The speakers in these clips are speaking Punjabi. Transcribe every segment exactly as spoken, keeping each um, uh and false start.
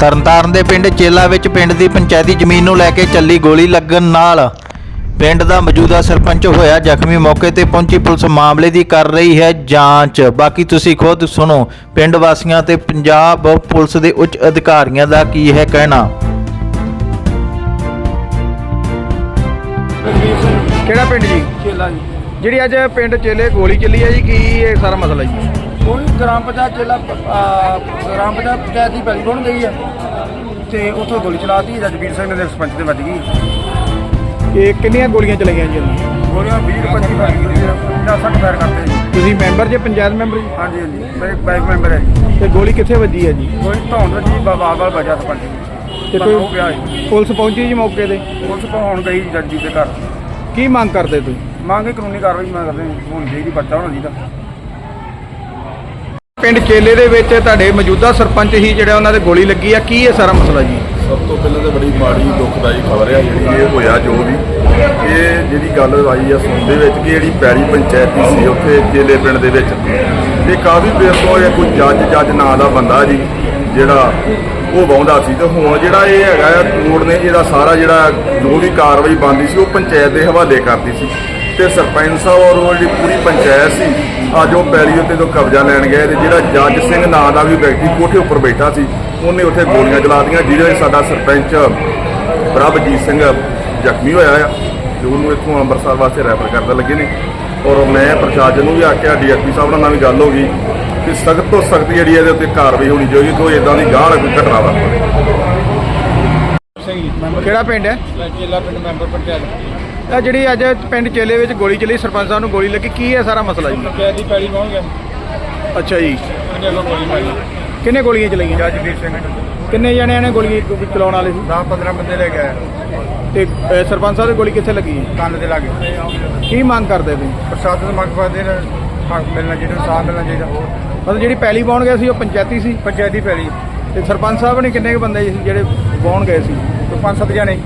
ਤਰਨਤਾਰਨ ਦੇ ਪਿੰਡ ਚੇਲਾ ਵਿੱਚ ਪਿੰਡ ਦੀ ਪੰਚਾਇਤੀ ਜ਼ਮੀਨ ਨੂੰ ਲੈ ਕੇ ਚੱਲੀ ਗੋਲੀ ਲੱਗਣ ਨਾਲ ਪਿੰਡ ਦਾ ਮੌਜੂਦਾ ਸਰਪੰਚ ਹੋਇਆ ਜ਼ਖਮੀ। ਮੌਕੇ ਤੇ ਪਹੁੰਚੀ ਪੁਲਿਸ ਮਾਮਲੇ ਦੀ ਕਰ ਰਹੀ ਹੈ ਜਾਂਚ। ਬਾਕੀ ਤੁਸੀਂ ਖੁਦ ਸੁਣੋ ਪਿੰਡ ਵਾਸੀਆਂ ਤੇ ਪੰਜਾਬ ਪੁਲਿਸ ਦੇ ਉੱਚ ਅਧਿਕਾਰੀਆਂ ਦਾ ਕੀ ਹੈ ਕਹਿਣਾ। ਕਿਹੜਾ ਪਿੰਡ ਜੀ? ਚੇਲਾ ਜੀ। ਜਿਹੜੀ ਅੱਜ ਪਿੰਡ ਚੇਲੇ ਗੋਲੀ ਚੱਲੀ ਹੈ ਜੀ, ਕੀ ਇਹ ਸਾਰਾ ਮਸਲਾ ਜੀ? ਕੋਈ ਗ੍ਰਾਮ ਪੰਚਾਇਤ ਚੇਲਾ ਗ੍ਰਾਮ ਪੰਚਾਇਤ ਪੰਚਾਇਤ ਦੀ ਪੈਲੀ ਬਣ ਗਈ ਹੈ ਤੇ ਉੱਥੋਂ ਗੋਲੀ ਚਲਾਤੀ। ਰਜਵੀਰ ਸਿੰਘ ਦੇ ਸਰਪੰਚ ਤੇ ਵੱਜ ਗਈ। ਇਹ ਕਿੰਨੀਆਂ ਗੋਲੀਆਂ ਚਲਾਈਆਂ ਜੀ ਉਹਨੂੰ? ਗੋਲੀਆਂ ਵੀਹ ਪੱਚੀ ਵੱਜ ਗਈ ਜੀ। ਪੰਜਾਹ ਸੱਠ ਫਾਇਰ ਕਰਦੇ ਜੀ। ਤੁਸੀਂ ਮੈਂਬਰ ਜੇ ਪੰਚਾਇਤ ਮੈਂਬਰ ਜੀ? ਹਾਂਜੀ ਹਾਂਜੀ, ਮੇਰੇ ਬਾਈਕ ਮੈਂਬਰ ਹੈ ਜੀ। ਤੇ ਗੋਲੀ ਕਿੱਥੇ ਵੱਜੀ ਹੈ ਜੀ? ਕੋਈ ਧੌਣ ਵੱਜੀ ਬਾਬਾ ਵਾਲ ਵਜਾ ਸਰਪੰਚ ਜੀ। ਤੇ ਕੋਈ ਕੋਈ ਪਿਆ ਜੀ। ਪੁਲਿਸ ਪਹੁੰਚੀ ਜੀ ਮੌਕੇ ਤੇ? ਪੁਲਿਸ ਪਹੁੰਚ ਗਈ ਜੱਜੀ ਦੇ ਘਰ। ਕੀ ਮੰਗ ਕਰਦੇ ਤੁਸੀਂ? ਮੰਗੇ ਕਾਨੂੰਨੀ ਕਾਰਵਾਈ ਮੈਂ ਕਰਦੇ ਹੋਣੀ ਚਾਹੀਦੀ, ਬੱਚਾ ਹੋਣਾ ਚਾਹੀਦਾ। ਪਿੰਡ ਚੇਲੇ ਦੇ ਵਿੱਚ ਤੁਹਾਡੇ ਮੌਜੂਦਾ ਸਰਪੰਚ ਹੀ ਜਿਹੜਾ ਉਹਨਾਂ ਦੇ ਗੋਲੀ ਲੱਗੀ ਆ, ਕੀ ਇਹ ਸਾਰਾ ਮਸਲਾ ਜੀ? ਸਭ ਤੋਂ ਪਹਿਲਾਂ ਤਾਂ ਬੜੀ ਮਾੜੀ ਦੁਖਦਾਈ ਖਬਰ ਹੈ ਜਿਹੜੀ ਇਹ ਹੋਇਆ। ਜੋ ਵੀ ਇਹ ਜਿਹੜੀ ਗੱਲ ਆਈ ਆ ਸੁਣ ਦੇ ਵਿੱਚ ਕਿ ਜਿਹੜੀ ਪੈਲੀ ਪੰਚਾਇਤੀ ਸੀ ਉੱਥੇ ਚੇਲੇ ਪਿੰਡ ਦੇ ਵਿੱਚ, ਤੇ ਕਾਫੀ ਦੇਰ ਤੋਂ ਇਹ ਕੋਈ ਜੱਜ ਜੱਜ ਨਾਂ ਦਾ ਬੰਦਾ ਜੀ ਜਿਹੜਾ ਉਹ ਵਾਹੁੰਦਾ ਸੀ। ਤੇ ਹੁਣ ਜਿਹੜਾ ਇਹ ਹੈਗਾ ਆ ਕੋਰਟ ਨੇ ਇਹਦਾ ਸਾਰਾ ਜਿਹੜਾ ਜੋ ਵੀ ਕਾਰਵਾਈ ਬਣਦੀ ਸੀ ਉਹ ਪੰਚਾਇਤ ਦੇ ਹਵਾਲੇ ਕਰਦੀ ਸੀ। ਤੇ ਸਰਪੰਚ ਸਾਹਿਬ ਔਰ ਉਹ ਜਿਹੜੀ ਪੂਰੀ ਪੰਚਾਇਤ ਸੀ ਅੱਜ ਉਹ ਪੈਲੀ ਉੱਤੇ ਤੋਂ ਕਬਜ਼ਾ ਲੈਣ ਗਏ। ਤੇ ਜਿਹੜਾ ਜੱਜ ਸਿੰਘ ਨਾਂ ਦਾ ਵੀ ਵਿਅਕਤੀ ਕੋਠੇ ਉੱਪਰ ਬੈਠਾ ਸੀ ਉਹਨੇ ਉੱਥੇ ਗੋਲੀਆਂ ਚਲਾ ਦਿੱਤੀਆਂ, ਜਿਹਦੇ ਵਿੱਚ ਸਾਡਾ ਸਰਪੰਚ ਪ੍ਰਭਜੀਤ ਸਿੰਘ ਜ਼ਖਮੀ ਹੋਇਆ ਆ ਤੇ ਉਹਨੂੰ ਇੱਥੋਂ ਅੰਮ੍ਰਿਤਸਰ ਵਾਸਤੇ ਰੈਫਰ ਕਰਦੇ ਲੱਗੇ ਨੇ। ਔਰ ਮੈਂ ਪ੍ਰਸ਼ਾਸਨ ਨੂੰ ਵੀ ਆਖਿਆ, ਡੀ ਐਸ ਪੀ ਸਾਹਿਬ ਨਾਲ ਵੀ ਗੱਲ ਹੋ ਗਈ ਕਿ ਸਖਤ ਤੋਂ ਸਖਤ ਜਿਹੜੀ ਇਹਦੇ ਉੱਤੇ ਕਾਰਵਾਈ ਹੋਣੀ ਚਾਹੀਦੀ, ਕੋਈ ਇੱਦਾਂ ਦੀ ਗਾਹ ਕੋਈ ਘਟਨਾ ਵਾਪਰੇ। ਸਿੰਘ ਜੀ ਕਿਹੜਾ ਪਿੰਡ ਹੈ? ਚੇਲਾ ਪਿੰਡ ਮੈਂਬਰ ਪੰਚਾਇਤ। ਇਹ ਜਿਹੜੀ ਅੱਜ ਪਿੰਡ ਚੇਲੇ ਵਿੱਚ ਗੋਲੀ ਚੱਲੀ, ਸਰਪੰਚ ਸਾਹਿਬ ਨੂੰ ਗੋਲੀ ਲੱਗੀ, ਕੀ ਹੈ ਸਾਰਾ ਮਸਲਾ ਜੀ? ਪੰਚਾਇਤ ਦੀ ਪੈਲੀ ਪਹੁੰਚ ਗਿਆ। ਅੱਛਾ ਜੀ, ਉਹਨੇ ਅੱਗੋਂ ਗੋਲੀ ਮਾਰੀ। ਕਿੰਨੇ ਗੋਲੀਆਂ ਚਲਾਈਆਂ? ਜੱਜਵੀਰ ਸਿੰਘ ਕਿੰਨੇ ਜਣਿਆਂ ਨੇ ਗੋਲੀ ਚਲਾਉਣ ਵਾਲੇ ਸੀ? ਦਸ ਪੰਦਰਾਂ ਬੰਦੇ ਲੈ ਕੇ ਆਏ। ਤੇ ਅਹ, ਸਰਪੰਚ ਸਾਹਿਬ ਦੀ ਗੋਲੀ ਕਿੱਥੇ ਲੱਗੀ ਹੈ? ਕੰਨ ਦੇ ਲਾਗੇ। ਕੀ ਮੰਗ ਕਰਦੇ ਤੁਸੀਂ? ਪ੍ਰਸ਼ਾਸਨ ਦੇ ਮੰਗ ਕਰਦੇ ਨੇ ਹੱਕ ਮਿਲਣਾ ਚਾਹੀਦਾ, ਸਾਥ ਮਿਲਣਾ ਚਾਹੀਦਾ। ਮਤਲਬ ਜਿਹੜੀ ਪੈਲੀ ਪਾਉਣ ਗਏ ਸੀ ਉਹ ਪੰਚਾਇਤੀ ਸੀ? ਪੰਚਾਇਤੀ ਪੈਲੀ ਤੇ ਸਰਪੰਚ ਸਾਹਿਬ ਨੇ ਕਿੰਨੇ ਕੁ ਬੰਦੇ ਸੀ ਜਿਹੜੇ ਪਾਉਣ ਗਏ ਸੀ? ਤੋਂ ਪੰਜ ਸੱਤ ਜਣੇ।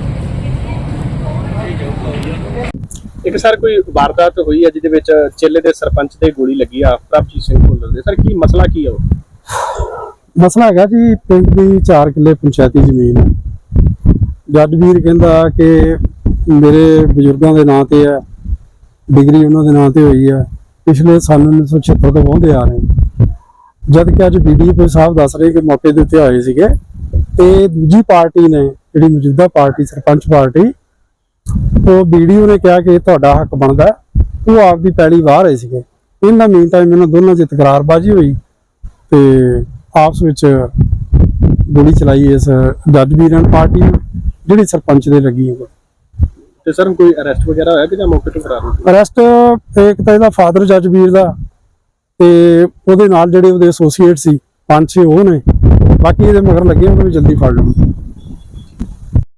ਇੱਕ ਸਰ ਕੋਈ ਵਾਰਦਾਤ ਹੋਈ ਹੈ ਜਿਹਦੇ ਵਿੱਚ ਚੇਲੇ ਦੇ ਸਰਪੰਚ ਤੇ ਗੋਲੀ ਲੱਗੀ ਆ, ਪ੍ਰਭਜੀਤ ਸਿੰਘ ਭੁੱਲਰ ਦੇ। ਸਰ ਕੀ ਮਸਲਾ ਕੀ ਆ ਉਹ? ਮਸਲਾ ਹੈਗਾ ਜੀ ਪਿੰਡ ਦੀ ਚਾਰ ਕਿੱਲੇ ਪੰਚਾਇਤੀ ਜ਼ਮੀਨ ਹੈ। ਜੱਜ ਵੀਰ ਕਹਿੰਦਾ ਕਿ ਮੇਰੇ ਬਜ਼ੁਰਗਾਂ ਦੇ ਨਾਂ ਤੇ ਹੈ, ਡਿਗਰੀ ਉਹਨਾਂ ਦੇ ਨਾਂ ਤੇ ਹੋਈ ਹੈ, ਪਿਛਲੇ ਸਾਲ ਉੱਨੀ ਸੌ ਛਿਹੱਤਰ ਤੋਂ ਵਾਹੁੰਦੇ ਆ ਰਹੇ। ਜਦ ਕਿ ਅੱਜ ਬੀ ਡੀ ਪੀ ਸਾਹਿਬ ਦੱਸ ਰਹੇ ਕਿ ਮੌਕੇ ਦੇ ਉੱਤੇ ਆਏ ਸੀਗੇ ਤੇ ਦੂਜੀ ਪਾਰਟੀ ਨੇ ਜਿਹੜੀ ਮੌਜੂਦਾ ਪਾਰਟੀ ਸਰਪੰਚ ਪਾਰਟੀ, ਉਹ ਵੀਡੀਓ ਨੇ ਕਿਹਾ ਕਿ ਤੁਹਾਡਾ ਹੱਕ ਬਣਦਾ, ਉਹ ਆਪਦੀ ਪੈਲੀ ਵਾਹ ਰਹੇ ਸੀਗੇ। ਇਹਨਾਂ ਮੀਨ ਟਾਈਮ ਇਹਨਾਂ ਦੋਨਾਂ 'ਚ ਤਕਰਾਰਬਾਜ਼ੀ ਹੋਈ ਤੇ ਆਪਸ ਵਿੱਚ ਗੋਲੀ ਚਲਾਈ ਇਸ ਜੱਜ ਵੀਰਾਂ ਪਾਰਟੀ ਨੂੰ ਜਿਹੜੀ ਸਰਪੰਚ ਦੇ ਲੱਗੀ ਹੈ। ਤੇ ਸਰ ਕੋਈ ਅਰੈਸਟ ਵਗੈਰਾ ਹੋਇਆ ਕਿ ਜਾਂ ਮੌਕੇ ਤੋਂ ਫਰਾਰ ਹੋ ਗਏ? ਅਰੈਸਟ ਇੱਕ ਤਾਂ ਇਹਦਾ ਫਾਦਰ ਜੱਜ ਵੀਰ ਦਾ ਤੇ ਉਹਦੇ ਨਾਲ ਜਿਹੜੇ ਉਹਦੇ ਐਸੋਸੀਏਟ ਸੀ ਪੰਜ ਛੇ ਉਹ ਨੇ, ਬਾਕੀ ਇਹਦੇ ਮਗਰ ਲੱਗੇ ਉਹਨੂੰ ਵੀ ਜਲਦੀ ਫੜ ਲੂ।